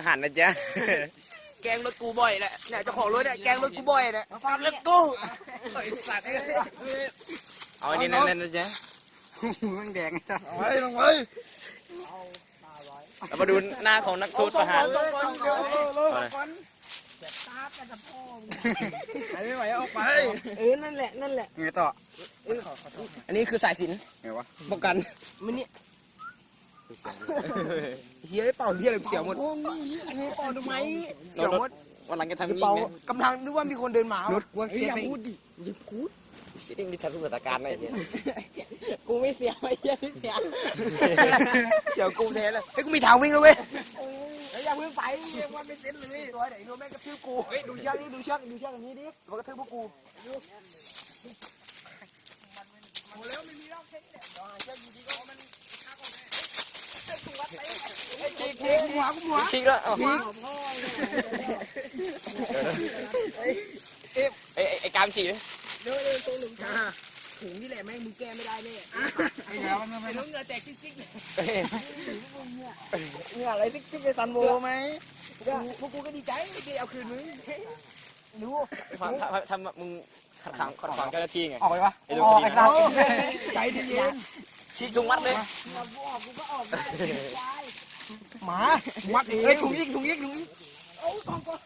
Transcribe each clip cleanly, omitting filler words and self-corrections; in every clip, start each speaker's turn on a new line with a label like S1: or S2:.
S1: หารนะจ๊ะแกงรถกูบ่อยแหละเนี่ยเจ้าของรถเนี่ยแกงรถกูบ่อยเนี่ยฟังรถกูไอ้สัตว์เอาอันนี้นั่นนะจ๊ะมันแดงเอาไว้ลงไว้เรามาดูหน้าของนักโทษประหารไม่ไหวเอาไปนั่นแหละไงต่ออันนี้คือสายสิญจน์ไงวะป้องกันมันนี่เฮียเป่าเฮียอะไรเสียวหมดนี่เป่าทำไมเสียวหมดวันหลังจะทำยิ่งนะกำลังนึกว่ามีคนเดินมารถว่าอย่าพูดดิอย่าพูดสิ่งที่ทำสุขการณ์อะไรเนี่ยกูไม่เสียไม่เสียที่เสียเดี๋ยวกูแท้เลยเฮ้ยกูมีทางวิ่งแล้วเว้ยอย่าเพิ่งไปมันไม่เซ็นเลยตัวไหนตัวแม่งกระทืบกูเฮ้ยดูเชือกนี่ดูเชือกอันนี้ดิมันกระทืบพวกกูโอ้แล้วไม่มีรอบเช็คเนี่ยเดี๋ยวหาเชือกอยู่ดีก็มันฆ่าก่อนแม่ฉีกหัวฉีกแล้วไอ้กามฉีกเลยเร็วตัวหนึ่งถุงนี่แหละแม่งมึงแก้ไม่ได้แน่ไอ้แล้วมันไม่ต้องเงือแตกซิกๆเลยเนี่ยอะไรซิกๆไปซันโวไหมพวกกูก็ดีใจที่เอาคืนมึงรู้ทำมึงขัดขวางเจ้าหน้าที่ไงออกไปปะออกไอ้เราใจเย็นฉีกถุงมัดเลยกูก็ออกได้หมามัดเองถุงยิกโอ้สองก้อน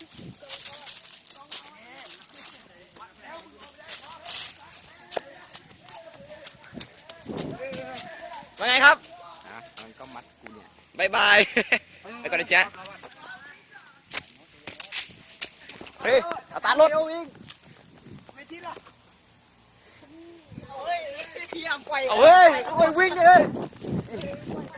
S1: ว่าไงครับมันก็มัดกูเนี่ยบายบายไปก่อนนะจ๊ะเฮ้ยเอาตารถไม่ทิ้งหรอเฮ้ยพี่ยามไปเฮ้ยวิ่งเลย